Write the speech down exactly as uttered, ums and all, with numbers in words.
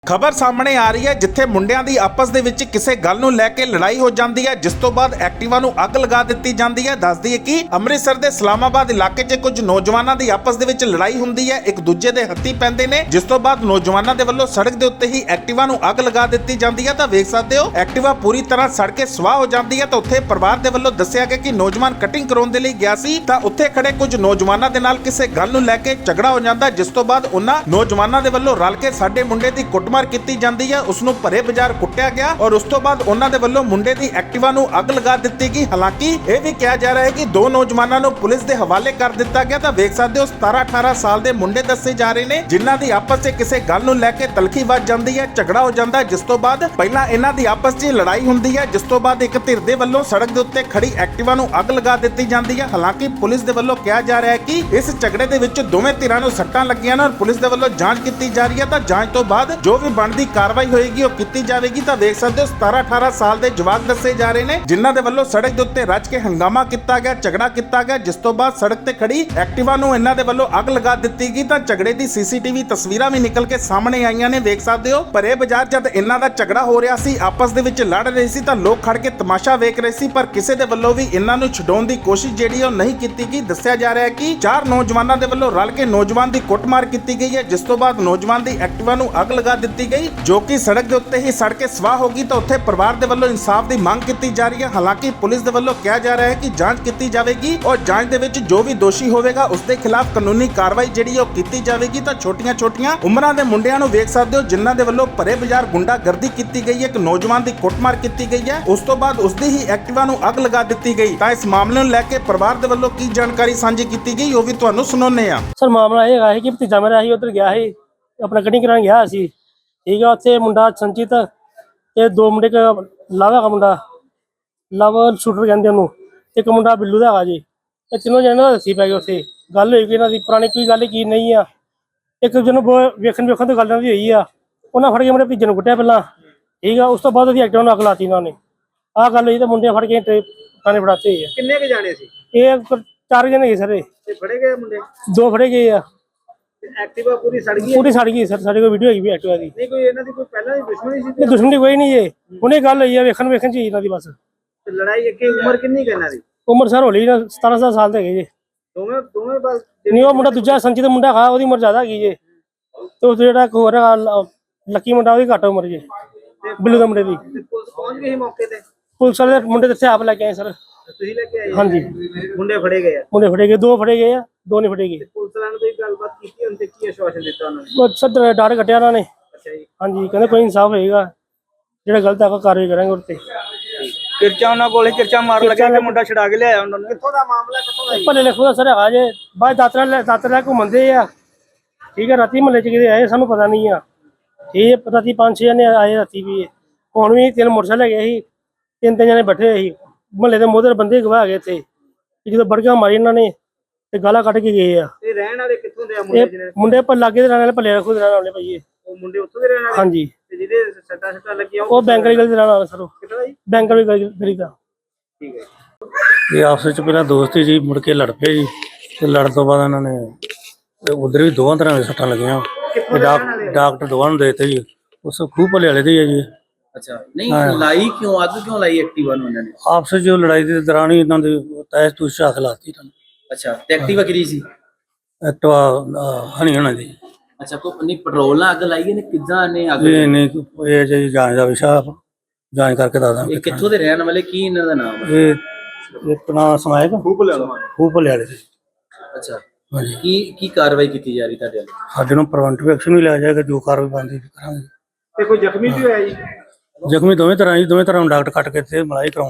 ਖਬਰ ਸਾਹਮਣੇ ਆ ਰਹੀ ਹੈ ਜਿੱਥੇ ਮੁੰਡਿਆਂ ਦੀ ਆਪਸ ਦੇ ਵਿੱਚ ਕਿਸੇ ਗੱਲ ਨੂੰ ਲੈ ਕੇ ਲੜਾਈ ਹੋ ਜਾਂਦੀ ਹੈ, ਜਿਸ ਤੋਂ ਬਾਅਦ ਐਕਟਿਵਾ ਨੂੰ ਅੱਗ ਲਗਾ ਦਿੱਤੀ ਜਾਂਦੀ ਹੈ। ਦੱਸਦੀ ਹੈ ਕਿ ਅੰਮ੍ਰਿਤਸਰ ਦੇ ਇਸਲਾਮਾਬਾਦ ਇਲਾਕੇ 'ਚ ਕੁਝ ਨੌਜਵਾਨਾਂ ਦੀ ਆਪਸ ਦੇ ਵਿੱਚ ਲੜਾਈ ਹੁੰਦੀ ਹੈ, ਇੱਕ ਦੂਜੇ ਦੇ ਹੱਥੀ ਪੈਂਦੇ ਨੇ, ਜਿਸ ਤੋਂ ਬਾਅਦ ਨੌਜਵਾਨਾਂ ਦੇ ਵੱਲੋਂ ਸੜਕ ਦੇ ਉੱਤੇ ਹੀ ਐਕਟਿਵਾ ਨੂੰ ਅੱਗ ਲਗਾ ਦਿੱਤੀ ਜਾਂਦੀ ਹੈ। ਤਾਂ ਵੇਖ ਸਕਦੇ ਹੋ ਐਕਟਿਵਾ ਪੂਰੀ ਤਰ੍ਹਾਂ ਸੜ ਕੇ ਸਵਾਹ ਹੋ ਜਾਂਦੀ ਹੈ। ਤਾਂ ਉੱਥੇ ਪਰਿਵਾਰ ਦੇ ਵੱਲੋਂ ਦੱਸਿਆ ਗਿਆ ਕਿ ਨੌਜਵਾਨ ਕਟਿੰਗ ਕਰਾਉਣ ਦੇ ਲਈ ਗਿਆ ਸੀ ਤਾਂ ਉੱਥੇ ਖੜੇ ਕੁਝ ਨੌਜਵਾਨਾਂ ਦੇ ਨਾਲ ਕਿਸੇ ਗੱਲ ਨੂੰ ਲੈ ਕੇ ਝਗੜਾ ਹੋ ਜਾਂਦਾ, ਜਿਸ ਤੋਂ ਬਾਅਦ ਉਹਨਾਂ ਨੌਜਵਾਨਾਂ ਦੇ ਵੱਲੋਂ ਰਲ ਕੇ ਸਾਡੇ ਮੁੰਡੇ ਦੀ ਕੁੱਟਮਾਰ ਕੀਤੀ ਜਾਂਦੀ ਹੈ, ਉਸ ਨੂੰ ਭਰੇ ਬਾਜ਼ਾਰ ਕੁੱਟਿਆ ਗਿਆ ਔਰ ਉਸ ਤੋਂ ਬਾਅਦ ਉਹਨਾਂ ਦੇ ਵੱਲੋਂ ਮੁੰਡੇ ਦੀ ਐਕਟਿਵਾ ਨੂੰ ਅੱਗ ਲਗਾ ਦਿੱਤੀ ਗਈ। ਹਾਲਾਂਕਿ ਇਹ ਵੀ ਕਿਹਾ ਜਾ ਰਿਹਾ ਹੈ ਕਿ ਦੋ ਨੌਜਵਾਨਾਂ ਨੂੰ ਪੁਲਿਸ ਦੇ ਹਵਾਲੇ ਕਰ ਦਿੱਤਾ ਗਿਆ। ਤਾਂ ਵੇਖ ਸਕਦੇ ਹੋ ਸਤਾਰਾਂ ਅਠਾਰਾਂ ਸਾਲ ਦੇ ਮੁੰਡੇ ਦੱਸੇ ਜਾ ਰਹੇ ਨੇ, ਜਿਨ੍ਹਾਂ ਦੀ ਆਪਸ 'ਚ ਕਿਸੇ ਗੱਲ ਨੂੰ ਲੈ ਕੇ ਤਲਖੀ ਵੱਜ ਜਾਂਦੀ ਹੈ, ਝਗੜਾ ਹੋ ਜਾਂਦਾ, ਜਿਸ ਤੋਂ ਬਾਅਦ ਪਹਿਲਾਂ ਇਹਨਾਂ ਦੀ ਆਪਸ 'ਚ ਲੜਾਈ ਹੁੰਦੀ ਹੈ, ਜਿਸ ਤੋਂ ਬਾਅਦ ਇੱਕ ਧਿਰ ਦੇ ਵੱਲੋਂ ਸੜਕ ਦੇ ਉੱਤੇ ਖੜੀ ਐਕਟਿਵਾ ਨੂੰ ਅੱਗ ਲਗਾ ਦਿੱਤੀ ਜਾਂਦੀ ਹੈ। ਹਾਲਾਂਕਿ ਪੁਲਿਸ ਦੇ ਵੱਲੋਂ ਕਿਹਾ ਜਾ ਰਿਹਾ ਹੈ ਕਿ ਇਸ ਝਗੜੇ ਦੇ ਵਿੱਚ ਦੋਵੇਂ ਧਿਰਾਂ ਨੂੰ ਸੱਟਾਂ ਲੱਗੀਆਂ ਨੇ ਔਰ ਪੁਲਿਸ ਦੇ ਵੱਲੋਂ ਜਾਂਚ ਕੀਤੀ ਜਾ ਰਹੀ ਹੈ। ਤਾਂ ਜਾਂਚ ਤੋਂ ਬਾਅਦ ਜੋ ਵੀ ਬਣਦੀ ਕਾਰਵਾਈ ਹੋਏਗੀ ਉਹ ਕੀਤੀ ਜਾਵੇਗੀ। ਤਾਂ ਵੇਖ ਸਕਦੇ ਹੋ ਸਤਾਰਾਂ ਅਠਾਰਾਂ ਸਾਲ ਦੇ ਜਵਾਕ ਦੱਸੇ ਜਾ ਰਹੇ ਨੇ, ਜਿਨ੍ਹਾਂ ਦੇ ਵੱਲੋਂ ਸੜਕ ਦੇ ਉੱਤੇ ਰੱਜ ਕੇ ਹੰਗਾਮਾ ਕੀਤਾ ਗਿਆ, ਝਗੜਾ ਕੀਤਾ ਗਿਆ, ਜਿਸ ਤੋਂ ਬਾਅਦ ਸੜਕ ਤੇ ਖੜੀ ਐਕਟਿਵਾ ਨੂੰ ਇਹਨਾਂ ਦੇ ਵੱਲੋਂ ਅੱਗ ਲਗਾ ਦਿੱਤੀ ਗਈ। ਤਾਂ ਝਗੜੇ ਦੀ ਸੀਸੀਟੀਵੀ ਤਸਵੀਰਾਂ ਵੀ ਨਿਕਲ ਕੇ ਸਾਹਮਣੇ ਆਈਆਂ ਨੇ। ਵੇਖ ਸਕਦੇ ਹੋ ਭਰੇ ਬਾਜ਼ਾਰ ਜਦ ਇਹਨਾਂ ਦਾ ਝਗੜਾ ਹੋ ਰਿਹਾ ਸੀ, ਆਪਸ ਦੇ ਵਿੱਚ ਲੜ ਰਹੇ ਸੀ, ਤਾਂ ਲੋਕ ਖੜ ਕੇ ਤਮਾਸ਼ਾ ਵੇਖ ਰਹੇ ਸੀ, ਪਰ ਕਿਸੇ ਦੇ ਵੱਲੋਂ ਵੀ ਇਹਨਾਂ ਨੂੰ ਛਡਾਉਣ ਦੀ ਕੋਸ਼ਿਸ਼ ਜਿਹੜੀ ਉਹ ਨਹੀਂ ਕੀਤੀ ਗਈ। ਦੱਸਿਆ ਜਾ ਰਿਹਾ ਹੈ ਕਿ ਚਾਰ ਨੌਜਵਾਨਾਂ ਦੇ ਵੱਲੋਂ ਰਲ ਕੇ ਨੌਜਵਾਨ ਦੀ ਕੁੱਟਮਾਰ ਕੀਤੀ ਗਈ ਹੈ, ਜਿਸ ਤੋਂ ਬਾਅਦ ਨੌਜਵਾਨ ਦੀ ਐਕਟਿਵਾ ਨੂੰ ਅੱਗ ਲਗਾ ਦਿੱਤੀ ਗਈ, ਜੋ ਕਿ ਸੜਕ ਦੇ ਉੱਤੇ ਹੀ ਸੜ ਕੇ ਸਵਾਹ ਹੋ ਗਈ। ਤਾਂ ਉੱਥੇ ਪਰਿਵਾਰ ਦੇ ਵੱਲੋਂ ਇਨਸਾਫ ਦੀ ਮੰਗ ਕੀਤੀ ਜਾ ਰਹੀ ਹੈ। ਹਾਲਾਂਕਿ ਪੁਲਿਸ ਦੇ ਵੱਲੋਂ ਕਿਹਾ ਜਾ ਰਿਹਾ ਹੈ ਕਿ ਜਾਂਚ ਕੀਤੀ ਜਾਵੇਗੀ ਔਰ ਜਾਂਚ ਦੇ ਵਿੱਚ ਜੋ ਵੀ ਦੋਸ਼ੀ ਹੋਵੇਗਾ ਉਸ ਦੇ ਖਿਲਾਫ ਕਾਨੂੰਨੀ ਕਾਰਵਾਈ ਜਿਹੜੀ ਉਹ ਕੀਤੀ ਜਾਵੇਗੀ। ਤਾਂ ਛੋਟੀਆਂ ਛੋਟੀਆਂ ਉਮਰਾਂ ਦੇ ਮੁੰਡਿਆਂ ਨੂੰ ਵੇਖ ਸਕਦੇ ਹੋ, ਜਿਨ੍ਹਾਂ ਦੇ ਵੱਲੋਂ ਭਰੇ ਬਾਜ਼ਾਰ ਗੁੰਡਾਗਰਦੀ ਕੀਤੀ ਗਈ ਹੈ, ਇੱਕ ਨੌਜਵਾਨ ਦੀ ਕੁੱਟਮਾਰ ਕੀਤੀ ਗਈ ਹੈ, ਉਸ ਤੋਂ ਬਾਅਦ ਉਸ ਦੀ ਹੀ ਐਕਟਿਵਾ ਨੂੰ ਅੱਗ ਲਗਾ ਦਿੱਤੀ ਗਈ। ਤਾਂ ਇਸ ਮਾਮਲੇ ਨੂੰ ਲੈ ਕੇ ਪਰਿਵਾਰ ਦੇ ਵੱਲੋਂ ਕੀ ਜਾਣਕਾਰੀ ਸਾਂਝੀ ਕੀਤੀ ਗਈ ਉਹ ਵੀ ਤੁਹਾਨੂੰ ਸੁਣਾਉਂਦੇ ਆ। ਸਰ ਮਾਮਲਾ ਇਹ ਹੈ ਕਿ ਭਤੀਜਾ ਮੇਰਾ ਸੀ ਉਧਰ ਗਿਆ ਸੀ, ਆਪਣਾ ਕਟਿੰਗ ਕਰਾਉਣ ਗਿਆ ਸੀ, ਠੀਕ ਆ। ਉੱਥੇ ਮੁੰਡਾ ਸੰਚਿਤ ਤੇ ਦੋ ਮੁੰਡੇ, ਲਵ ਹੈਗਾ ਮੁੰਡਾ, ਲਵ ਸ਼ੂਟਰ ਕਹਿੰਦੇ ਉਹਨੂੰ, ਇੱਕ ਮੁੰਡਾ ਬਿੱਲੂ ਦਾ ਹੈਗਾ ਜੀ। ਇਹ ਤਿੰਨੋਂ ਜਣੇ ਦਾ ਦੱਸੀ ਪੈ ਗਏ। ਉੱਥੇ ਗੱਲ ਹੋਈ ਕਿ ਇਹਨਾਂ ਦੀ ਪੁਰਾਣੀ ਕੋਈ ਗੱਲ ਕੀ ਨਹੀਂ ਆ, ਇੱਕ ਦੂਜੇ ਨੂੰ ਵੇਖਣ ਵੇਖਣ ਤੋਂ ਗੱਲ ਦੀ ਹੋਈ ਆ। ਉਹਨਾਂ ਫੜ ਕੇ ਮੇਰੇ ਭਤੀਜੇ ਨੂੰ ਕੁੱਟਿਆ ਪਹਿਲਾਂ, ਠੀਕ ਆ। ਉਸ ਤੋਂ ਬਾਅਦ ਉਹਦੀ ਐਕਟਿਵਾ ਨੂੰ ਅੱਗ ਲਾਤੀ ਇਹਨਾਂ ਨੇ। ਆਹ ਗੱਲ ਹੋਈ ਤਾਂ ਮੁੰਡੇ ਫੜ ਕੇ ਥਾਣੇ ਫੜਾਤੇ ਹੋਏ ਆ। ਕਿੰਨੇ ਕੇ ਜਾਣੇ ਸੀ ਇਹ ਚਾਰ ਜਣੇ ਗਏ ਸਰ, ਤੇ ਫੜੇ ਗਏ ਮੁੰਡੇ, ਦੋ ਫੜੇ ਗਏ ਆ। ਐਕਟਿਵਾ ਪੂਰੀ ਸੜ ਗਈ, ਪੂਰੀ ਸੜ ਗਈ ਸਰ, ਸਾਡੇ ਕੋਲ ਵੀਡੀਓ ਹੈਗੀ ਵੀ ਐਕਟਿਵਾ ਦੀ। ਨਹੀਂ ਕੋਈ ਇਹਨਾਂ ਦੀ ਕੋਈ ਪਹਿਲਾਂ ਦੀ ਦੁਸ਼ਮਣੀ ਸੀ? ਨਹੀਂ ਦੁਸ਼ਮਣੀ ਕੋਈ ਨਹੀਂ ਜੇ, ਹੁਣੇ ਗੱਲ ਹੋਈ ਆ, ਵੇਖਣ ਵੇਖਣ ਚ ਹੀ ਇਹਨਾਂ ਦੀ ਬਸ। ਤੇ ਲੜਾਈ ਇੱਕ ਉਮਰ ਕਿੰਨੀ ਕੁ ਇਹਨਾਂ ਦੀ? ਉਮਰ ਸਰ ਹੋਲੀ ਨਾ ਸਤਾਰਾਂ ਸਤਾਰਾਂ ਸਾਲ ਦੇ ਹੈਗੇ ਜੀ। ਦੋਵੇਂ ਦੋਵੇਂ ਬਸ ਨਹੀਂ ਉਹ ਮੁੰਡਾ ਦੂਜਾ ਸੰਚਿਤ ਮੁੰਡਾ ਖਾ, ਉਹਦੀ ਉਮਰ ਜ਼ਿਆਦਾ ਹੈਗੀ ਜੇ, ਤੇ ਉਹ ਜਿਹੜਾ ਇੱਕ ਹੋਰ ਲੱਕੀ ਮੁੰਡਾ ਉਹਦੀ ਘੱਟ ਉਮਰ ਜੇ, ਬਿੱਲੂ ਦੇ ਮੁੰਡੇ ਦੀ। ਪੁਲਿਸ ਪਹੁੰਚ ਗਈ ਸੀ ਮੌਕੇ ਤੇ? ਪੁਲਿਸ ਵਾਲੇ ਮੁੰਡੇ ਤੇ ਆਪ ਲੈ ਕੇ ਆਏ ਸਰ। ਤੁਸੀਂ ਲੈ ਕੇ ਆਏ? ਹਾਂਜੀ ਮੁੰਡੇ ਫੜੇ ਗਏ ਆ? ਮੁੰਡੇ ਫੜੇ ਗਏ, ਦੋ ਫੜੇ ਗਏ ਆ, ਦੋ ਨਹੀਂ ਫੜੇ ਗਏ। ਪੁਲਿਸ ਵਾਲਿਆਂ ਨੇ ਕੋਈ ਗੱਲਬਾਤ ਕੀਤੀ ਹੁਣ ਤੇ ਕੀ ਆਸ਼ਵਾਸਨ ਦਿੱਤਾ ਉਹਨਾਂ ਨੇ? ਉਹ ਸਰ ਡਰ ਕੱਟਿਆ ਉਹਨਾਂ ਨੇ। ਅੱਛਾ ਜੀ। ਹਾਂਜੀ ਕਹਿੰਦੇ ਕੋਈ ਇਨਸਾਫ ਹੋਏਗਾ, ਜਿਹੜਾ ਗਲਤ ਹੈਗਾ ਕਾਰਵਾਈ ਕਰਾਂਗੇ ਉੱਤੇ। ਕਿਰਚਾ ਉਹਨਾਂ ਕੋਲੇ ਕਿਰਚਾ ਮਾਰ ਲੱਗਿਆ ਕਿ ਮੁੰਡਾ ਛਡਾ ਕੇ ਲਿਆਇਆ ਉਹਨਾਂ ਨੇ? ਕਿੱਥੋਂ ਦਾ ਮਾਮਲਾ, ਕਿੱਥੋਂ ਦਾ? ਭਲੇ ਲਿਖੋ ਦਾ ਸਰ ਹੈਗਾ ਜੇ, ਬਾਅਦ ਦਾਤਰਾ ਦਾਤਰਾ ਲੈ ਘੁੰਮਦੇ ਆ, ਠੀਕ ਹੈ। ਰਾਤੀ ਮਹੱਲੇ ਚ ਕਿਤੇ ਆਏ ਸਾਨੂੰ ਪਤਾ ਨਹੀਂ ਆ, ਠੀਕ ਹੈ। ਰਾਤੀ ਪੰਜ ਛੇ ਜਣੇ ਆਏ ਰਾਤੀ ਵੀ, ਹੁਣ ਵੀ ਤਿੰਨ ਮੋਟਰਸਾਈਕਲ ਹੈਗੇ ਸੀ, ਤਿੰਨ ਤਿੰਨ ਜਣੇ ਬੈਠੇ ਸੀ। ਮਹੱਲੇ ਦੇ ਮੋਹਦਰ ਬੰਦੇ ਗਵਾ ਗਏ ਇੱਥੇ, ਜਦੋਂ ਬੜਕਾ ਮਾਰੀ ਇਹਨਾਂ ਨੇ ਤੇ ਗਾਲਾਂ ਕੱਢ ਕੇ ਗਏ ਆ। ਇਹ ਰਹਿਣ ਵਾਲੇ ਕਿੱਥੋਂ ਦੇ ਆ ਮੁੰਡੇ? ਜਿਹੜੇ ਮੁੰਡੇ ਪਰ ਲਾਗੇ ਦੇ ਰਹਿਣ ਵਾਲੇ, ਭੱਲੇ ਰੱਖੋ ਦੇ ਰਹਿਣ ਵਾਲੇ ਭਾਈ। ਉਹ ਮੁੰਡੇ ਉੱਥੋਂ ਦੇ ਰਹਿਣ ਵਾਲੇ? ਹਾਂਜੀ। ਤੇ ਜਿਹਦੇ ਸੱਟਾਂ ਸੱਟਾਂ ਲੱਗੀਆਂ ਉਹ ਬੈਂਕ ਵਾਲੀ ਗਲੀ ਦੇ ਰਹਿਣ ਵਾਲਾ ਸਰ। ਉਹ ਕਿੱਥੋਂ ਦਾ ਜੀ? ਬੈਂਕ ਵਾਲੀ ਗਲੀ ਦਾ। ਠੀਕ ਹੈ। ਇਹ ਆਪਸ ਵਿੱਚ ਪਹਿਲਾਂ ਦੋਸਤ ਸੀ ਜੀ, ਮੁੜ ਕੇ ਲੜ ਪਏ ਜੀ, ਤੇ ਲੜਨ ਤੋਂ ਬਾਅਦ ਇਹਨਾਂ ਨੇ ਉਧਰ ਵੀ ਦੋਵਾਂ ਤਰ੍ਹਾਂ ਦੀਆਂ ਸੱਟਾਂ ਲੱਗੀਆਂ। ਤੇ ਡਾਕਟਰ ਦੋਵਾਂ ਨੂੰ ਦੇ ਦਿੱਤੇ ਜੀ, ਉਸ ਖੂਹ ਭਲੇ ਵਾਲੇ ਦੇ ਹੀ ਹੈ ਜੀ। ਅੱਛਾ, ਨਹੀਂ ਲਾਈ ਕਿਉਂ, ਅੱਗ ਕਿਉਂ ਲਾਈ ਐਕਟਿਵਾ ਨੂੰ ਇਹਨਾਂ ਨੇ? ਆਪਸ ਵਿੱਚ ਲੜਾਈ ਦੇ ਦੌਰਾਨ ਹੀ ਇਹਨਾਂ ਦੇ ਤੈਸ ਤੂਸ ਹੱਥ ਲਾਤੀ ਇਹਨਾਂ ਨੇ। ਅੱਛਾ, ਤੇ ਐਕਟਿਵਾ ਕਿਹਦੀ ਸੀ? ਐਕਟਿਵਾ ਹਣੀ ਹੋਣਾ ਦੀ। ਅੱਛਾ, ਕੋ ਨਹੀਂ ਪੈਟਰੋਲ ਨਾਲ ਅੱਗ ਲਾਈ ਇਹਨੇ, ਕਿੱਦਾਂ ਨੇ ਅੱਗ? ਇਹ ਨਹੀਂ ਇਹ ਜੀ ਜਾਂਚ ਦਾ ਵਿਸ਼ਾ, ਜਾਂਚ ਕਰਕੇ ਦੱਸਦਾ। ਇਹ ਕਿੱਥੋਂ ਦੇ ਰਹਿਣ ਵਾਲੇ, ਕੀ ਇਹਨਾਂ ਦਾ ਨਾਮ ਹੈ? ਇਹ ਆਪਣਾ ਸਮਾਇਕ ਖੂਹ ਭਲੇ ਵਾਲਾ, ਖੂਹ ਭਲੇ ਵਾਲੇ। ਅੱਛਾ, ਹਾਂਜੀ। ਕੀ ਕੀ ਕਾਰਵਾਈ ਕੀਤੀ ਜਾ ਰਹੀ ਤੁਹਾਡੇ ਵੱਲੋਂ? ਸਾਡੇ ਨੂੰ ਪ੍ਰੀਵੈਂਟਿਵ ਐਕਸ਼ਨ ਵੀ ਲਿਆ ਜਾਏਗਾ, ਜੋ ਕਾਰਵਾਈ ਬਣਦੀ ਕਰਾਂਗੇ। ਤੇ ਕੋਈ ਜ਼ਖਮੀ ਵੀ ਹੋਇਆ ਜੀ? ਜ਼ਖਮੀ ਦੋਵੇਂ ਤਰ੍ਹਾਂ ਜੀ, ਦੋਵੇਂ ਤਰ੍ਹਾਂ ਨੂੰ ਡਾਕਟਰ ਕੱਟ ਕੇ ਤੇ ਮਲਾਈ ਕਰਾਉਂ